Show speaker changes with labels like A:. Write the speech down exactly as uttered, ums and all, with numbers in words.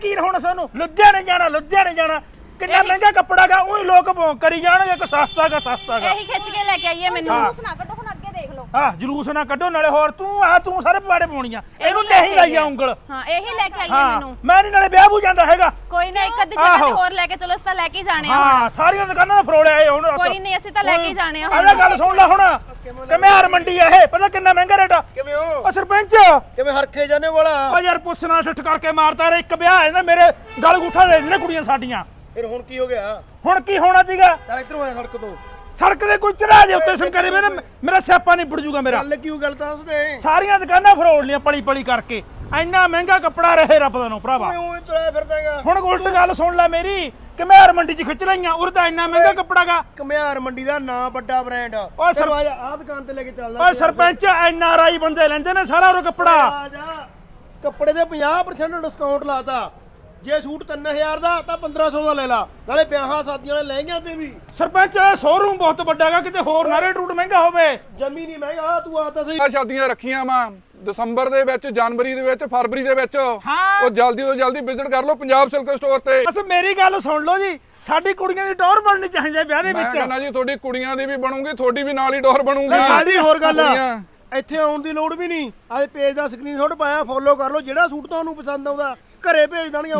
A: ਕੀ ਹੁਣ ਸਾਨੂੰ ਲੁਧਿਆਣੇ ਜਾਣਾ ਲੁਧਿਆਣੇ ਜਾਣਾ ਕਿੰਨਾ ਮਹਿੰਗਾ ਕੱਪੜਾ ਗਾ ਉਹੀ ਲੋਕ ਭੌਂਕ ਕਰੀ ਜਾਣਗੇ ਕਿ ਸਸਤਾ ਗਾ ਸਸਤਾ ਗਾ
B: ਇਹੀ ਖਿੱਚ ਕੇ ਲੈ ਕੇ ਆਈਏ ਮੈਨੂੰ
A: ਹਾਂ।
B: ਜਲੂਸ ਨਾ ਕੱਢੋ ਹੁਣ ਅੱਗੇ ਦੇਖ ਲਓ
A: ਹਾਂ ਜਲੂਸ ਨਾ ਕੱਢੋ ਨਾਲੇ ਹੋਰ ਤੂੰ ਆ ਤੂੰ ਸਾਰੇ ਪਵਾੜੇ ਪਾਉਣੀਆਂ ਇਹਨੂੰ ਤੇ ਹੀ ਲਾਈ ਆ ਉਂਗਲ
B: ਹਾਂ ਇਹੀ ਲੈ ਕੇ ਆਈਏ
A: ਹਾਂ
B: ਮੈਨੂੰ
A: ਮੈਂ ਨਹੀਂ ਨਾਲੇ ਵਿਆਹ ਬੂ ਜਾਂਦਾ ਹੈਗਾ
B: ਕੋਈ ਨਾ ਇੱਕ ਅੱਧੀ ਜਗ੍ਹਾ ਤੇ ਹੋਰ ਲੈ ਕੇ ਚਲੋ ਅਸੀਂ ਤਾਂ ਲੈ ਕੇ ਹੀ ਜਾਣੇ ਆ
A: ਹਾਂ ਸਾਰੀਆਂ ਦੁਕਾਨਾਂ ਦਾ ਫਰੋੜਿਆ ਇਹ ਹੁਣ
B: ਕੋਈ ਨਹੀਂ ਅਸੀਂ ਤਾਂ ਲੈ ਕੇ ਹੀ ਜਾਣੇ ਆ
A: ਆਹ ਗੱਲ ਸੁਣ ਲੈ ਹੁਣ ਕਮਿਆਰ ਮੰਡੀ ਆ ਇਹ ਪਤਾ ਕਿੰਨਾ ਮਹਿੰਗਾ ਰੇਟ ਆ
C: ਕਿਵੇਂ ਹੋ
A: ਉਹ ਸਰਪੰਚ
C: ਕਿਵੇਂ ਹਰਖੇ ਜਾਣੇ ਵਾਲਾ
A: ਉਹ ਯਾਰ ਪੁੱਛਣਾ ਠੱਠ ਕਰਕੇ ਮਾਰਦਾ ਰੇ ਇੱਕ ਵਿਆਹ ਹੈ ਨਾ ਮੇਰੇ ਗਲ ਗੁੱਠਾ ਦੇ ਦਿੰਦੇ ਕੁੜੀਆਂ ਸਾਡੀਆਂ
C: ਫਿਰ ਹੁਣ ਕੀ ਹੋ ਗਿਆ
A: ਹੁਣ ਕੀ ਹੋਣਾ ਸੀਗਾ
C: ਚੱਲ ਇੱਧਰੋਂ ਆ ਸੜਕ ਤੋਂ
A: ਸੜਕ ਦੇ ਕੋਈ ਚੜਾ ਜੇ ਉੱਤੇ ਸਿਮਕਰੇ ਮੇਰੇ ਮੇਰਾ ਸਿਆਪਾ ਨਹੀਂ ਬੁੜ ਜੂਗਾ ਮੇਰਾ
C: ਗੱਲ ਕਿਉਂ ਗੱਲ ਤਾਂ ਉਸਦੇ
A: ਸਾਰੀਆਂ ਦੁਕਾਨਾਂ ਫਰੋੜ ਲੀਆਂ ਪਲੀ ਪਲੀ ਕਰਕੇ ਇੰਨਾ ਮਹਿੰਗਾ ਕੱਪੜਾ ਰਹੇ ਰੱਬ ਦਾ ਨੂੰ ਭਰਾਵਾ
C: ਓਏ ਤੁਰਿਆ ਫਿਰਦਾਗਾ
A: ਹੁਣ ਉਲਟ ਗੱਲ ਸੁਣ ਲੈ ਮੇਰੀ ਕਮਿਆਰ ਮੰਡੀ 'ਚ ਖਿੱਚ ਲਈਆਂ ਉਰ ਤਾਂ ਇੰਨਾ ਮਹਿੰਗਾ ਕੱਪੜਾ ਗਾ
C: ਕਮਿਆਰ ਮੰਡੀ ਦਾ ਨਾਂ ਵੱਡਾ ਬ੍ਰਾਂਡ
A: ਓਏ ਸਰ-
C: ਆ ਜਾ ਆ ਦੁਕਾਨ ਤੇ ਲੈ ਕੇ ਚੱਲਦਾ
A: ਓਏ ਸਰਪੰਚ ਐਨ ਆਰ ਆਈ ਬੰਦੇ ਲੈਂਦੇ ਨੇ ਸਾਰਾ ਉਹ ਕੱਪੜਾ
C: ਆ ਜਾ ਕੱਪੜੇ ਦੇ ਪੰਜਾਹ ਪਰਸੈਂਟ ਡਿਸਕਾਊਂਟ ਲਾਤਾ ਜੇ ਸੂਟ ਤਿੰਨ ਹਜ਼ਾਰ ਦਾ ਤਾਂ ਪੰਦਰਾਂ ਸੌ ਦਾ ਲੈ ਲਾ ਨਾਲੇ ਵਿਆਹਾਂ ਸ਼ਾਦੀਆਂ ਵਾਲੇ ਲਹਿੰਗਿਆਂ ਤੇ ਵੀ
A: ਸਰਪੰਚ ਸ਼ੋਰੂਮ ਬਹੁਤ ਵੱਡਾ ਗਾ ਕਿਤੇ ਹੋਰ ਨਾ ਰੇਟ ਰੂਟ ਮਹਿੰਗਾ ਹੋਵੇ
C: ਜਮੀ ਨਹੀਂ ਮਹਿੰਗਾ ਤੂੰ ਆ ਤਾਂ ਸਹੀ
D: ਆ ਸ਼ਾਦੀਆਂ ਰੱਖੀਆਂ ਵਾ ਦਸੰਬਰ ਦੇ ਵਿੱਚ ਜਨਵਰੀ ਦੇ ਵਿੱਚ ਫਰਵਰੀ ਦੇ ਵਿੱਚ
A: ਹਾਂ।
D: ਉਹ ਜਲਦੀ ਤੋਂ ਜਲਦੀ ਵਿਜ਼ਿਟ ਕਰ ਲਓ ਪੰਜਾਬ ਸਿਲਕ ਸਟੋਰ ਤੇ
A: ਬਸ ਮੇਰੀ ਗੱਲ ਸੁਣ ਲਓ ਜੀ ਸਾਡੀ ਕੁੜੀਆਂ ਦੀ ਟੌਰ ਬਣਨੀ ਚਾਹੀਦੀ ਹੈ ਵਿਆਹ ਦੇ
D: ਮੈਂ
A: ਵਿੱਚ
D: ਕਹਿੰਦਾ ਜੀ ਤੁਹਾਡੀ ਕੁੜੀਆਂ ਦੀ ਵੀ ਬਣੂਗੀ ਤੁਹਾਡੀ ਵੀ ਨਾਲ ਹੀ ਡੋਰ ਬਣੂਗੀ
C: ਸਾਡੀ ਹੋਰ ਗੱਲ ਆ
D: ਕੁੜੀਆਂ।
C: ਇੱਥੇ ਆਉਣ ਦੀ ਲੋੜ ਵੀ ਨਹੀਂ ਆਹ ਪੇਜ ਦਾ ਸਕਰੀਨਸ਼ਾਟ ਪਾਇਆ ਫੋਲੋ ਕਰ ਲਓ ਜਿਹੜਾ ਸੂਟ ਤੁਹਾਨੂੰ ਪਸੰਦ ਆਉਂਦਾ ਘਰੇ ਭੇਜ ਦੇਣਗੇ